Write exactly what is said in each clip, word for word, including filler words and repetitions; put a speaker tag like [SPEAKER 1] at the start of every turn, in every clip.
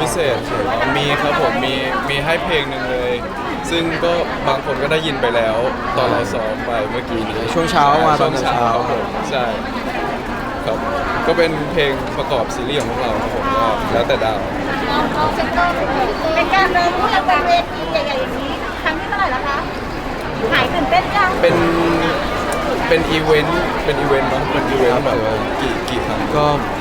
[SPEAKER 1] พิเศษมีครับผมมีมีให้เพลงหนึ่งเลย ซึ่งก็บางคนก็ได้ยินไปแล้ว ตอนเราซ้อมไปเมื่อกี้นี้
[SPEAKER 2] ช่วงเช้ามาต
[SPEAKER 1] ช่
[SPEAKER 2] อ
[SPEAKER 1] วน ง
[SPEAKER 2] เช้า
[SPEAKER 1] เช้าครับผมใช่ครับก็เป็นเพลงประกอบซีรีส์ของพวกเราครับผมก็แล้วแต่ดาว
[SPEAKER 3] เป็นการเดินคู่กับเวทีใหญ่ๆอย่างนี้ครั้งที่เท่าไหร่แล้วคะหายตื่นเต้นยัง
[SPEAKER 1] เป็นเป็นอีเวนต์เป็นอีเวนต์เนาะเป็นอีเวนต์แบบกี่กี่ครั้ง
[SPEAKER 2] ก็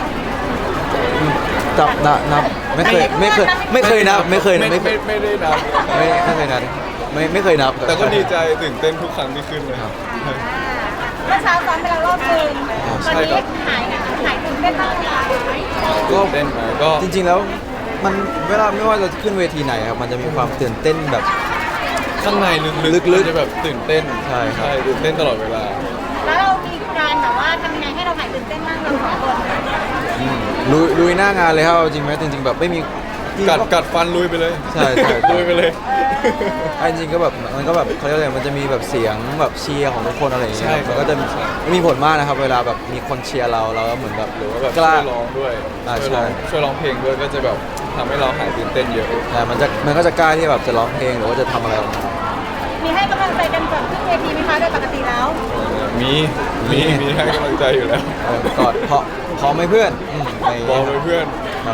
[SPEAKER 2] จับนับนับไม่เคยไม่เคยไม่เคยนับไม่เคย
[SPEAKER 1] ไม่
[SPEAKER 2] ไม่เค
[SPEAKER 1] ไม่
[SPEAKER 2] ย
[SPEAKER 1] ไม่ได้นับ
[SPEAKER 2] ไม่ไม่เคยนับไม่ไม่เคยนับ
[SPEAKER 1] แต่ก็ดีใจตื่นเต้นทุกครั้งที่ขึ้นเลยครับ
[SPEAKER 3] เมื่อเช้าซ้อมไปแล้วรอบนึง
[SPEAKER 2] อ๋อ
[SPEAKER 3] ตอน
[SPEAKER 1] ใช่
[SPEAKER 3] นี้
[SPEAKER 1] ครับ
[SPEAKER 3] หายหายตื่นเต้นบ้างไหมคะ
[SPEAKER 2] ก็
[SPEAKER 1] ตื่นเต้นไหมก็
[SPEAKER 2] จริงๆแล้วมันเวลาไม่ว่าจะขึ้นเวทีไหนครับมันจะมีความตื่นเต้นแบบ
[SPEAKER 1] ข้างในลึกๆ
[SPEAKER 2] ลึกๆ
[SPEAKER 1] มันจะแบบตื่นเต้น
[SPEAKER 2] ใช่ครับ
[SPEAKER 1] ตื่นเต้นตลอดเวลา
[SPEAKER 3] แล้วเรามีการแบบว่าทำยังไงให้เราหายตื่นเต้นบ้างเราสองคน
[SPEAKER 2] ลุยลุยหน้างานเลยครับเอาจริงไหมจริงๆแบบไม่มี
[SPEAKER 1] กัดกัดฟันลุยไปเลย
[SPEAKER 2] ใช่ใช่
[SPEAKER 1] ลุยไปเลย
[SPEAKER 2] อันจริงๆก็แบบมันก็แบบเขาเรียกอะไรมันจะมีแบบเสียงแบบเชียร์ของทุกคนอะไรอย่างเงี้ย
[SPEAKER 1] ใช่
[SPEAKER 2] มันก็จะมี
[SPEAKER 1] ใช่
[SPEAKER 2] มีผลมากนะครับ เวลาแบบมีคนเชียร์เราเราก็เหมือนแบบ
[SPEAKER 1] หรือว่าแบบ
[SPEAKER 2] ก
[SPEAKER 1] ช่
[SPEAKER 2] ล้า
[SPEAKER 1] วยร้องด้วย
[SPEAKER 2] อ่า
[SPEAKER 1] ช่วยร้อง
[SPEAKER 2] ใช่
[SPEAKER 1] ช่วยร้องเพลงด้วยก็จะแบบทำให้เราหายตื่นเต้นเยอะ
[SPEAKER 2] แต่มันจะมันก็จะกล้าที่แบบจะร้องเพลงหรือว่าจะทำอะไรออกมา
[SPEAKER 3] มีให้กำลังใจกันก่อนขึ้นเวทีไหมคะโดยปกติแล้ว
[SPEAKER 1] มีมีมีให้กำลังใจอยู่แล้ว
[SPEAKER 2] เออกอดเพราะพร้อมไหมเพื่อนอืมอะไรอย่าง
[SPEAKER 1] บอ
[SPEAKER 2] เงี้
[SPEAKER 1] ก
[SPEAKER 2] ย
[SPEAKER 1] ไปเพื่อน
[SPEAKER 2] ครับ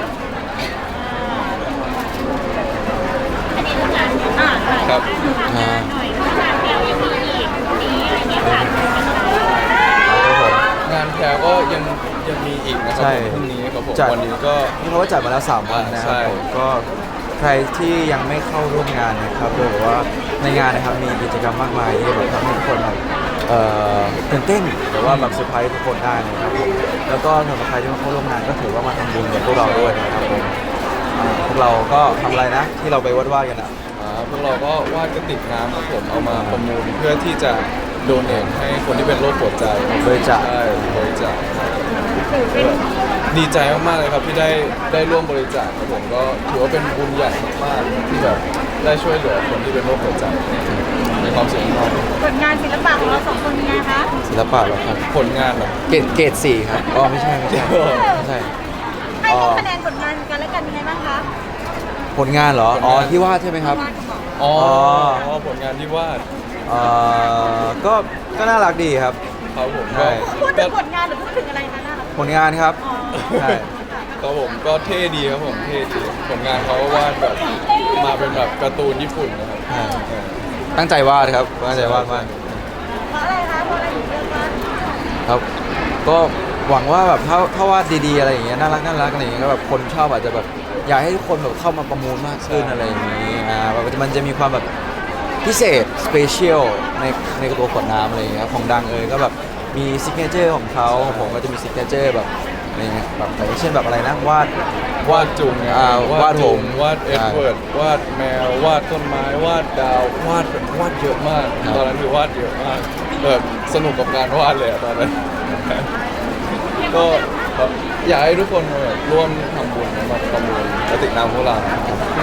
[SPEAKER 3] อันนี้คืองานอ่า
[SPEAKER 1] ครับ
[SPEAKER 2] อ่า
[SPEAKER 3] หน่อยงานเดียวยังมีอีกนี้อะไรเงี้ยค่ะ
[SPEAKER 2] ครับผม
[SPEAKER 1] งานแพรก็ยังยังมีอีกนะครั
[SPEAKER 2] ใช่
[SPEAKER 1] ผมพรุ่งนี้ครับผม
[SPEAKER 2] จัด
[SPEAKER 1] วันนี้ก็
[SPEAKER 2] นี่เขาก็จัดมาแล้วสามวันนะค
[SPEAKER 1] ใช่
[SPEAKER 2] รับผมก็ใครที่ยังไม่เข้าร่วมงานนะครับโดยบอกว่าในงานนะครับมีกิจกรรมมากมายที่แบบทำให้ทุกคนแบบเอ่อตื่นเต้นหรือว่าแบบเซอร์ไพรส์ทุกคนได้นะครับผมแล้วก็สำหรับใครที่มาเข้าร่วมงานก็ถือว่ามาทำบุญกับพวกเราด้วยนะครับผมอ่าพวกเราก็ทำอะไรนะที่เราไปวาดๆกันอ่ะ
[SPEAKER 1] อ่าพวกเราก็วาดกระติกน้ำครับผมเอามาประมูลเพื่อที่จะโดเนทให้คนที่เป็นโรคหัวใจ
[SPEAKER 2] บริจาค
[SPEAKER 1] ใช่บริจาคดีใจมากๆเลยครับที่ได้ได้ร่วมบริจาคครับผมก็ถือว่าเป็นบุญใหญ่มากๆที่แบบได้ช่วยเหลือคนที่เป็นโรคหัวใจมีความสุขมาก
[SPEAKER 3] ผลงานศิลปะของเราสองคนเป็นไงคะ
[SPEAKER 2] ศิลปะเหรอครับ
[SPEAKER 1] ผลงานแบบ
[SPEAKER 2] เกรดเกรดสี่ครับอ๋อไม่ใช่ไม่ใช่ไม่ใช่
[SPEAKER 3] ให้คะแนนผลงานกันและกันยังไงบ้างคะ
[SPEAKER 2] ผลงานเหรออ๋อที่วาดใช่ไหมครับ
[SPEAKER 3] งานของเรา
[SPEAKER 1] อ๋อ
[SPEAKER 2] อ๋อ
[SPEAKER 1] ผลงานที่วาด
[SPEAKER 2] เอ่อก็ก็น่ารักดีครับ
[SPEAKER 1] ครับผม
[SPEAKER 2] ใช่
[SPEAKER 1] ก็
[SPEAKER 3] พูดถึงผลงานหรือพูดถึงอะไรนะน่ารัก
[SPEAKER 2] ผลงานครับ
[SPEAKER 3] อ๋อ
[SPEAKER 2] ใช่
[SPEAKER 1] ครับผมก็เท่ดีครับผมเท่ดีผลงานเขาก็วาดแบบมาเป็นแบบการ์ตูนญี่ปุ่นนะครับ
[SPEAKER 2] ใช่
[SPEAKER 1] เออ
[SPEAKER 2] ตั้งใจวาดครับตั้งใจวาดมาก
[SPEAKER 3] เพราะอะไรคะเพราะอะไรถึงเลือกว่า
[SPEAKER 2] ครับ ก็หวังว่าแบบถ้าถ้าวาดดีๆอะไรอย่างเงี้ยน่ารักน่ารักอะไรอย่างเงี้ยก็แบบคนชอบอาจจะแบบอยากให้ทุกคนแบบเข้ามาประมูลมากขึ้นอะไรอย่างงี้อ่าแบบมันจะมีความแบบพิเศษสเปเชียลในในตัวขวดน้ำอะไรอย่างเงี้ยของดังเอยก็แบบมีซิกเนเจอร์ของเขาของผมก็จะมีซิกเนเจอร์แบบอะไรเงี้ยแบบอย่างเช่นแบบอะไรนะวาด
[SPEAKER 1] วาดจุงไง
[SPEAKER 2] อ่าวาด
[SPEAKER 1] จุง
[SPEAKER 2] ผม
[SPEAKER 1] วาดเอ็ดเวิร์ดวาดแมววาดต้นไม้วาดดาววาดแบบวาดเยอะมาก
[SPEAKER 2] ครับ
[SPEAKER 1] ตอนนั้นคือวาดเยอะมากแบบสนุกกับการวาดเลยอะตอนนั้น ก็แบบอยากให้ทุกคนมาแบบร่วมทำบุญมาประมูลกระติกน้ำพวกเราครับ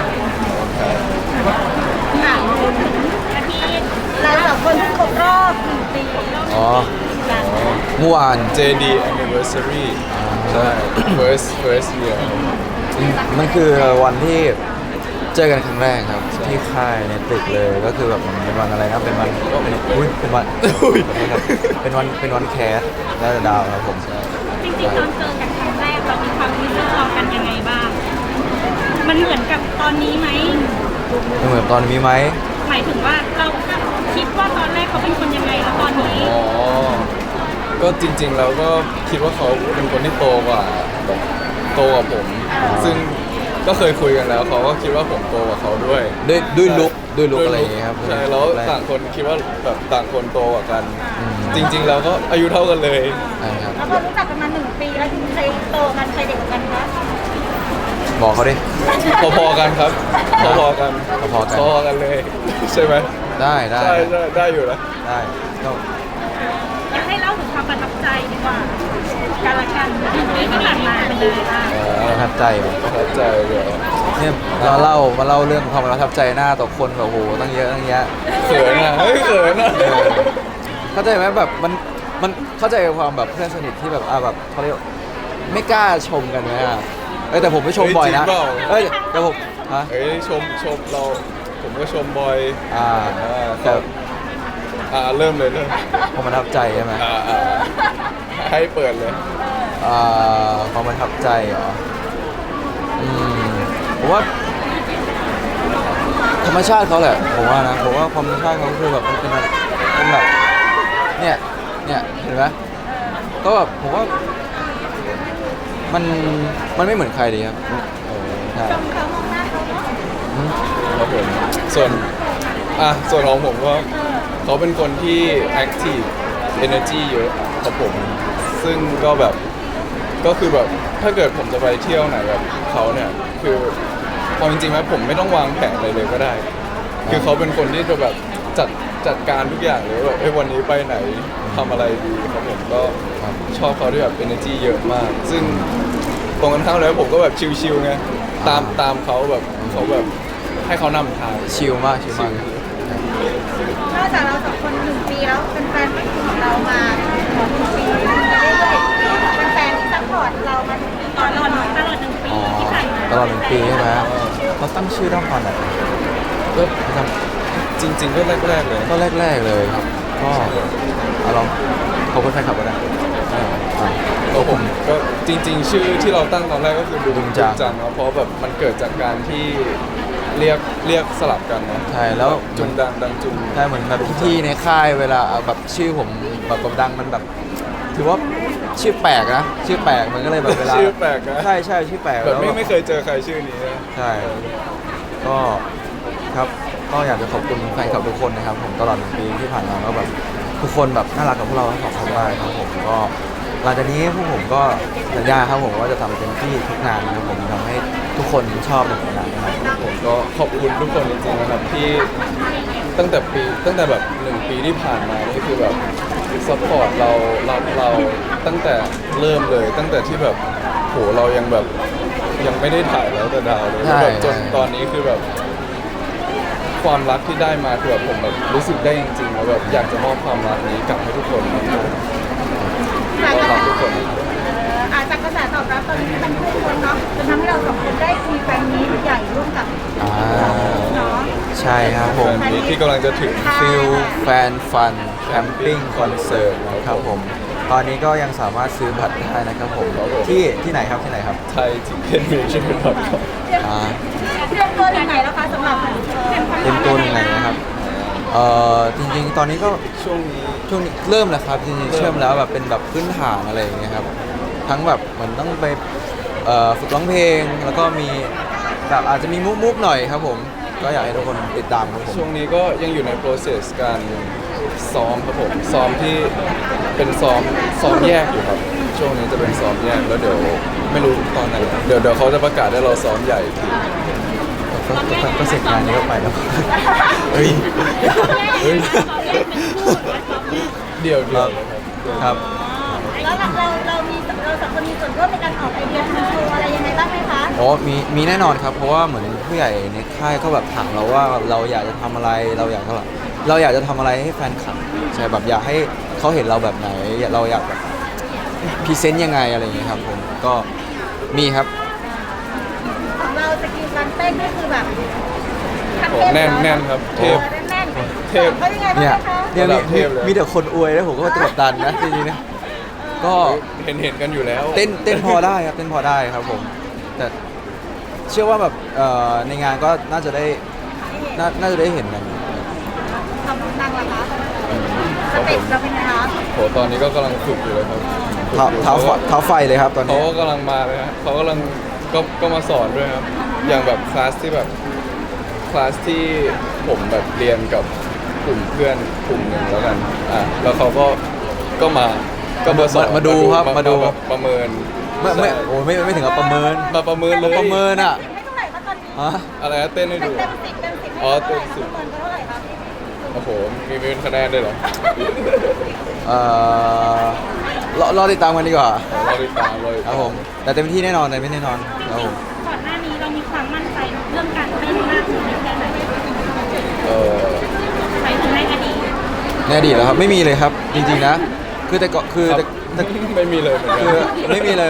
[SPEAKER 3] อ่ะพูดถึงอาทิตย์เราสองคนเพิ่งครบรอบหนึ่งปี
[SPEAKER 2] อ๋อ
[SPEAKER 3] กัน
[SPEAKER 2] เมื่อวาน
[SPEAKER 1] เจ ดี anniversary ใช่ first first year
[SPEAKER 2] มันคือวันที่เจอกันครั้งแรกครับ
[SPEAKER 1] ใช่
[SPEAKER 2] ที่ค่ายในตึกเลยก็คือแบบเป็นวันอะไรนะเป็นวันเป็นอุ้ยเป็นวัน
[SPEAKER 1] อุ้ย
[SPEAKER 2] ขอโทษครับเป็นวันเป็นวันแคสและดาวครับผม
[SPEAKER 4] จริงๆตอนเจอกันครั้งแรกเรามีความรู้สึกต่อกันยังไงบ้าง มันเหมือนกับตอนนี้ไหม
[SPEAKER 2] ไม่เหมือนตอนมีไหม
[SPEAKER 4] หมายถึงว่าเราคิดว่าตอนแรกเขาเป็นคนยังไงแล้วตอนนี้
[SPEAKER 1] อ๋อ ก็จริงๆ แล้วก็คิดว่าเขาเป็นคนที่โตกว่าแบบโตกว่าผม ซึ่งก็เคยคุยกันแล้วเขาก็คิดว่าผมโตกว่าเขาด้วย
[SPEAKER 2] ด้วยด้วย
[SPEAKER 1] ใช่
[SPEAKER 2] ลุกด้วยลุกอะไรอย่างเงี้ยครับ
[SPEAKER 1] ใช่แล้ว
[SPEAKER 2] รก
[SPEAKER 1] ต่างคนคิดว่าแบบต่างคนโตกว่ากัน
[SPEAKER 2] อืม
[SPEAKER 1] จริง ๆ แล้วก็อายุเท่ากันเลย
[SPEAKER 2] ใช่ครับ
[SPEAKER 3] แล้วพอรู้จักกันมาหนึ่งปีแล้วใครโตกันใครเด็กกว่ากันคะ
[SPEAKER 2] บอกเขาดิ
[SPEAKER 1] พอๆกันครับพอๆกัน
[SPEAKER 2] พอๆกัน
[SPEAKER 1] พอๆกันเลย ใช่ไหม
[SPEAKER 2] ได้ได้
[SPEAKER 1] ใช่ใช่ได้อยู่นะ
[SPEAKER 2] ได้ก็
[SPEAKER 4] อยากให้เล่าถึงความประทับใจดีกว่าการละกันที่ผ่านมาเป็นยังไงบ้าง
[SPEAKER 2] ประทับใจเหรอ
[SPEAKER 1] ประทับใจเดี๋ยว
[SPEAKER 2] เนี่ยเราเล่ามาเล่าเรื่องความประทับใจหน้าต่อคนแบบโอ้โหตั้งเยอะตั้งแยะ
[SPEAKER 1] เขินอ่ะเฮ้ยเขินอ่ะ
[SPEAKER 2] เออเข้าใจไหมแบบมันมันเข้าใจความแบบเพื่อนสนิทที่แบบอ่าแบบเขาเรียกไม่กล้าชมกันไหมอ่ะเอ้ยแต่ผมไม่ชมบ่อยนะ
[SPEAKER 1] เฮ้ยจริงเปล่า
[SPEAKER 2] เอ้ยแต่ผมฮะ
[SPEAKER 1] เอ้ยชมชมเราผมก็ชมบอย
[SPEAKER 2] อ่า
[SPEAKER 1] อ่า
[SPEAKER 2] แต่
[SPEAKER 1] อ่าเริ่มเลยเริ่ม
[SPEAKER 2] ความประทับใจใช่ไหม
[SPEAKER 1] อ่าอ่าให้เปิดเลย
[SPEAKER 2] อ่าความประทับใจเหรออืมผมว่าธรรมชาติเขาแหละผมว่านะผมว่าความธรรมชาติเขาคือแบบมันเป็นแบบเป็นแบบเนี่ยเนี่ยเห็นไหมก็แบบผมว่ามันมันไม่เหมือนใครดีครับใช่
[SPEAKER 3] ชมเขามองหน้าเขาเนาะ
[SPEAKER 2] อืม
[SPEAKER 1] ครับผมส่วนอ่ะส่วนของผมก็เขาเป็นคนที่ active energy เยอะครับผมซึ่งก็แบบก็คือแบบถ้าเกิดผมจะไปเที่ยวไหนแบบเขาเนี่ยคือความจริงๆแล้วผมไม่ต้องวางแผนอะไรเลยก็ได้ คือเขาเป็นคนที่จะแบบจัดจัดการทุกอย่างเลยแบบเอ้ยวันนี้ไปไหนทำอะไรดีครับผมก็ชอบเขาที่แบบ energy เยอะมาก ซึ่งตรงกันข้ามแล้วผมก็แบบชิลๆไงตามตามเขาแบบเขาแบบให้เขานำทาง
[SPEAKER 2] ชิลมากชิลมาก
[SPEAKER 3] นอกจากเราสองคนหนึ่งปีแล้วเป็นแฟนของเรามาหนึ่งปีเรื่อยๆเป็นแฟนที่ซัพพอร์ตเรามาถึงปี
[SPEAKER 4] ต
[SPEAKER 3] ก่อ
[SPEAKER 4] ล
[SPEAKER 3] น
[SPEAKER 4] อด
[SPEAKER 3] เรา
[SPEAKER 4] ตลอดหนึ่งปี
[SPEAKER 2] อ๋อ
[SPEAKER 4] ที่ผ่านมา
[SPEAKER 2] ตลอดหนึ่งปีใช่ไหมเขาตั้งชื่อด้อมฟันอะไร
[SPEAKER 1] ก็
[SPEAKER 2] จ
[SPEAKER 1] จริง ๆ ก็แรกๆเลย
[SPEAKER 2] ำก็แรกๆเลยครับ ก็เอาลองขอบคุณแฟนคลับก็ได้อ่าอ่า
[SPEAKER 1] ก็ผมก็จริง ๆ ชื่อที่เราตั้งตอนแรกก็คือดุ
[SPEAKER 2] ดุ
[SPEAKER 1] ม
[SPEAKER 2] มจัง
[SPEAKER 1] จังเนาะเพราะแบบมันเกิดจากการที่เรียกเรียกสลับกันเนาะ
[SPEAKER 2] ใช่แล้ว
[SPEAKER 1] จุนดังดังจุน
[SPEAKER 2] ใช่เหมือนแบบพี่ๆในค่ายเวลาเอาแบบชื่อผมแบบแบบดังมันแบบ ถือว่าชื่อแปลกนะชื่อแปลกมันก็เลยแบบเวลา
[SPEAKER 1] ชื่อแปลกนะ
[SPEAKER 2] ใช่ใช่ชื่อแปลก
[SPEAKER 1] แบบ
[SPEAKER 2] แล้ว
[SPEAKER 1] ไม่
[SPEAKER 2] แบบ
[SPEAKER 1] ไม่เคยเจอใครชื่อนี้นะ
[SPEAKER 2] ใช่ ก็ครับก็อยากจะขอบคุณแฟนคลับทุกคนนะครับ ผมตลอดหนึ่งปีที่ผ่านมาก็แบบทุกคนแบบน่ารักกับพวกเราทั้งสองคนมากครับผมก็หลังจากนี้พวกผมก็สัญญาครับผมว่าจะทำเต็มที่ทุกงานนะครับผมทำให้ทุกคนชอบในผลงานนะครับ
[SPEAKER 1] ผมก็ขอบคุณทุกคนจริงๆนะครับที่ตั้งแต่ปีตั้งแต่แบบหนึ่งปีที่ผ่านมานี่คือแบบซัพพอร์ตเรารักเราตั้งแต่เริ่มเลย ตั้งแต่ที่แบบโหเรายังแบบยังไม่ได้ถ่ายแล้วแต่ดาวเลย
[SPEAKER 2] ใช่
[SPEAKER 1] แบบจน
[SPEAKER 2] ใช่
[SPEAKER 1] ตอนนี้คือแบบ ความรักที่ได้มาคือแบบผมแบบรู้สึกได้จริงๆแล้วแบบอยากจะมอบความรักนี้กลับให้ทุกคนนะครับ
[SPEAKER 3] จาก
[SPEAKER 1] ก็
[SPEAKER 3] กระ
[SPEAKER 1] รัก
[SPEAKER 3] แส
[SPEAKER 1] ทุกคน
[SPEAKER 3] อาจากกระแสตอบรับตอนนี้มันพุ่งคนเนาะจนทำให้เราสองคนได้มีแฟนมีตใหญ่ร่วมกับ
[SPEAKER 2] อ่า
[SPEAKER 3] เนาะ
[SPEAKER 2] ใช่ครับผม
[SPEAKER 1] แฟนมีตที่กำลังจะถึง
[SPEAKER 2] ฟิลแฟนฟันแคมปิ้งคอนเสิร์ตนะครับผม ตอนนี้ก็ยังสามารถซื้อบัตรได้นะครับผมที่ที่ไหนครับที่ไหนครับ
[SPEAKER 1] ไทยทิเก็ตเมเจอร์ดอทคอม
[SPEAKER 2] อ่า
[SPEAKER 3] เตรียมตัวถึงไหนแล้วคะสำหรับเอ่อ
[SPEAKER 2] เต็มตัวยังไงนะครับ เอ่อจริงๆ ตอนนี้ก็
[SPEAKER 1] ช่วงนี้
[SPEAKER 2] ช่วงนี้เริ่มแล้วครับจริงๆเชื่อมแล้วแบบเป็นแบบพื้นฐานอะไรอย่างเงี้ยครับ ทั้งแบบเหมือนต้องไปเอ่อฝึกร้องเพลง แล้วก็มีแบบอาจจะมีมุกมุกๆหน่อยครับผม ก็อยากให้ทุกคนติดตามครับผม
[SPEAKER 1] ช่วงนี้ก็ยังอยู่ใน process การซ้อมครับผมซ้อมที่เป็นซ้อมซ้อมแยกอยู่ครับ ช่วงนี้จะเป็นซ้อมแยกแล้วเดี๋ยวไม่รู้ตอนไหนเดี๋ยวเดี๋ยวเขาจะประกาศให้เราซ้อมใหญ่อีกที
[SPEAKER 2] ก็ก็ก็เสร็จงานนี้ก็ไปแล้ว
[SPEAKER 1] เฮ้ยเฮ้ย
[SPEAKER 4] ตอนแรกเป็นคู่หรือว่าซ้อม
[SPEAKER 1] เดี่ยวเดียวเลยครับ
[SPEAKER 2] ครับ
[SPEAKER 3] แล้วเราเรามีเราสองคนมีส่วนร่วมในการออกไอเดียทำโชว์อะไรยังไงบ้างไหมคะ
[SPEAKER 2] อ๋อมีมีแน่นอนครับ เพราะว่าเหมือนผู้ใหญ่ในค่ายก็แบบถามเราว่าเราอยากจะทำอะไร เราอยากจะเราอยากจะทำอะไรให้แฟนคลับใช่แบบอยากให้เขาเห็นเราแบบไหน เราอยากแบบพรีเซนต์ยังไงอะไรอย่างเงี้ยครับผมก็มีครับ
[SPEAKER 3] ของเราสกิลการเต้นนี่คือแบบขั้
[SPEAKER 1] โอ้
[SPEAKER 3] เทพ
[SPEAKER 1] แน่น
[SPEAKER 3] เอะ
[SPEAKER 1] แน่นครับเทพ
[SPEAKER 3] แน่น
[SPEAKER 1] เทพ
[SPEAKER 3] เขายังไงบ้าง
[SPEAKER 2] เนี่ย
[SPEAKER 3] นะคะ
[SPEAKER 2] เนี่ย
[SPEAKER 1] ระดั
[SPEAKER 2] มี
[SPEAKER 1] บเทพเลย
[SPEAKER 2] มีแต่คนอวยแล้วผมก็กดดันนะจริงๆนะก็
[SPEAKER 1] เห็นเห็นกันอยู่แล้ว
[SPEAKER 2] เต้นเต้นพอได้ครับเต้นพอได้ครับผม แต่เชื่อว่าแบบเอ่อในงานก็น่าจะได้น่าน่าจะได้เห็นกัน
[SPEAKER 3] ทำนางละคะสเต็ปเราเป็นไงคะ
[SPEAKER 1] โหตอนนี้ก็กำลังฝึกอยู่เลยครับ
[SPEAKER 2] เท้าเท้าไฟเท้าไฟเลยครับตอน
[SPEAKER 1] เขา
[SPEAKER 2] นี้
[SPEAKER 1] ก็กำลังมาเลยครับเขากำลังก็ก็มาสอนด้วยครับ อย่างแบบคลาสที่แบบคลาสที่ผมแบบเรียนกับกลุ่มเพื่อนกลุ่มหนึ่งแล้วกันอ่ะแล้วเขาก็ก็มาก็มาสอน
[SPEAKER 2] มาดูครับมาดู
[SPEAKER 1] แบบประเมิน
[SPEAKER 2] ไม่ไม่
[SPEAKER 1] ใช่
[SPEAKER 2] โอ้ไม่ไม่ถึงกับประเมิน
[SPEAKER 1] มาประเมินเลย
[SPEAKER 2] ประเมินอ่ะ
[SPEAKER 3] ให้เท่าไหร่คะตอนนี้
[SPEAKER 2] ฮะ
[SPEAKER 1] อะไรนะเต้นให้
[SPEAKER 3] เต็
[SPEAKER 1] ดู
[SPEAKER 3] มเต็มสิบเต็มสิบ
[SPEAKER 1] อ๋อ
[SPEAKER 3] ให้
[SPEAKER 1] เต็
[SPEAKER 3] เท่าม ไหร่
[SPEAKER 1] สิบ
[SPEAKER 3] ประเมินเขาเท่าไหร่คะ
[SPEAKER 1] โอ้โหมีมีเป็นคะแนนด้วยเหรอ
[SPEAKER 2] เอ่อรอรอติดตามกันดีกว่า
[SPEAKER 1] เราติดตามเลย
[SPEAKER 2] ครับผม แต่เต็มที่แน่นอนแต่ไม่แน่นอนครับผม
[SPEAKER 4] ก่อนหน้านี้เรามีความมั่นใจเรื่องการเต้นมากถึงแค่ไหน
[SPEAKER 1] เออ
[SPEAKER 4] ไปถึงในอดีต
[SPEAKER 2] ในอดีตแล้วครับไม่มีเลยครับ จริงๆนะ คือแต่ก็คือ
[SPEAKER 1] ครับ
[SPEAKER 2] แต่แต่
[SPEAKER 1] ไม่มีเลยเหมือนกั
[SPEAKER 2] คือน ไม่มีเลย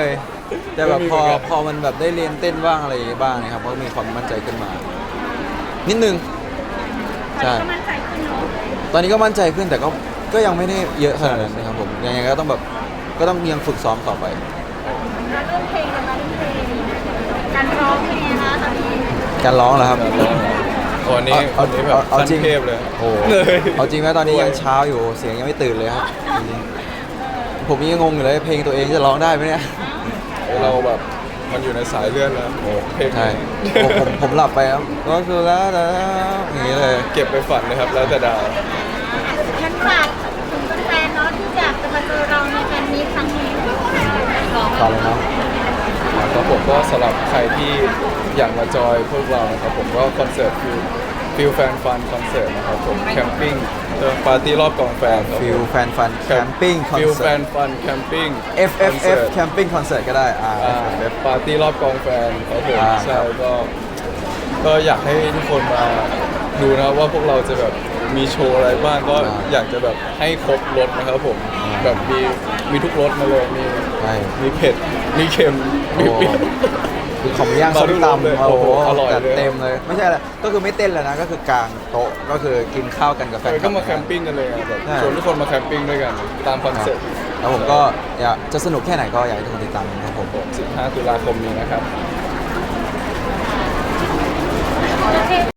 [SPEAKER 2] แต่แบบพอ
[SPEAKER 1] ไม่มีเหมือนกัน
[SPEAKER 2] พอมันแบบได้เรียนเต้นบ้างอะไรอย่างเงี้ยบ้างนะครับก็มีความมั่นใจขึ้นมา นิดนึง
[SPEAKER 4] ตอน
[SPEAKER 2] ใช่
[SPEAKER 4] นี้ก็มั่นใจขึ้นเนาะ
[SPEAKER 2] ตอนนี้ก็มั่นใจขึ้นแต่ก็ก็ยังไม่ได้เยอะขนาดนั้นนะครับผมยังไงก็ต้องแบบก็ต้องยังฝึกซ้อมต่อไป
[SPEAKER 3] แล้วเรื่องเพลงนะคะเรื่องเพลงการร้องเพลงนะคะตอนนี้
[SPEAKER 2] การร้องเหรอครับ
[SPEAKER 1] ตอนนี้
[SPEAKER 2] เอา
[SPEAKER 1] ตอนนี้แบ
[SPEAKER 2] เอา
[SPEAKER 1] บ
[SPEAKER 2] เอา
[SPEAKER 1] ขั้น
[SPEAKER 2] จริง
[SPEAKER 1] เทพเลย
[SPEAKER 2] โอ้โห
[SPEAKER 1] เลย
[SPEAKER 2] เอาจริงไหมตอนนี้ยังเช้าอยู่เสียงยังไม่ตื่นเลยครับจริงๆผมยังงงอยู่เลยเพลงตัวเองจะร้องได้ไหมเนี่ย
[SPEAKER 1] เราแบบมันอยู่ในสายเลือดแล้วเพลง
[SPEAKER 2] ใช่ผมผมผมหลับไปครับก็คือแล้วแล้วอย่างนี้เลย
[SPEAKER 1] เก็บไปฝันเลยครับแล้วแต่ดาว
[SPEAKER 3] งั้นฝากถึงแฟนๆเนาะที่อยากจะมาเจอเราในแฟนมีตครั้งนี้ร้อง
[SPEAKER 2] ต่อเลยเนาะ
[SPEAKER 1] ครับผมก็สำหรับใครที่อยากมาจอยพวกเรานะครับผมก็คอนเสิร์ตคือฟิลแฟนฟันคอนเสิร์ตนะครับผมแคมปิ้งเออปาร์ตี้รอบกองแฟนครับผม
[SPEAKER 2] ฟิลแฟนฟันแคมปิ้งคอน
[SPEAKER 1] ฟิลแฟ
[SPEAKER 2] เสิร์
[SPEAKER 1] น
[SPEAKER 2] ต
[SPEAKER 1] ฟันแคมปิ้ง
[SPEAKER 2] F F F แคมปิ้งคอนเสิร์ตก็ได้อ่า
[SPEAKER 1] อ่า
[SPEAKER 2] F F F
[SPEAKER 1] ปาร์ตี้รอบกองแฟนครับผม
[SPEAKER 2] อ่า
[SPEAKER 1] ใช่ก็ก็อยากให้ทุกคนมาดูนะครับว่าพวกเราจะแบบมีโชว์อะไรบ้างก็อยากจะแบบให้ครบรสนะครับผมแบบมีมีทุกรสมาเลยมี
[SPEAKER 2] ใช่
[SPEAKER 1] มีเผ็ดมีเค็มมีเปรี้ยว
[SPEAKER 2] คือของย่าง
[SPEAKER 1] มา
[SPEAKER 2] ส้ม
[SPEAKER 1] ทุกรสเลย
[SPEAKER 2] ตำโอ้โห
[SPEAKER 1] โอ้โหอร่อยเลย
[SPEAKER 2] จัดเต็มเลย ไม่ใช่อะไรก็คือไม่เต้นแล้วนะ ก็คือกางโต๊ะก็คือกินข้าวกันกับแฟน
[SPEAKER 1] เออ
[SPEAKER 2] คลั
[SPEAKER 1] ก็
[SPEAKER 2] บ
[SPEAKER 1] มาแคมปิ้งกันเลยอะแบบ
[SPEAKER 2] ใช่
[SPEAKER 1] ชวนทุกคนมาแคมปิ้งด้วยกันตามคอน
[SPEAKER 2] ครับ
[SPEAKER 1] เซ็ปต์
[SPEAKER 2] แล้วผมก็อยากจะสนุกแค่ไหนก็อยากให้ทุกคนติดตามนะครับผม
[SPEAKER 1] สิบห้าตุลาคมนี้นะครับ
[SPEAKER 3] โอเค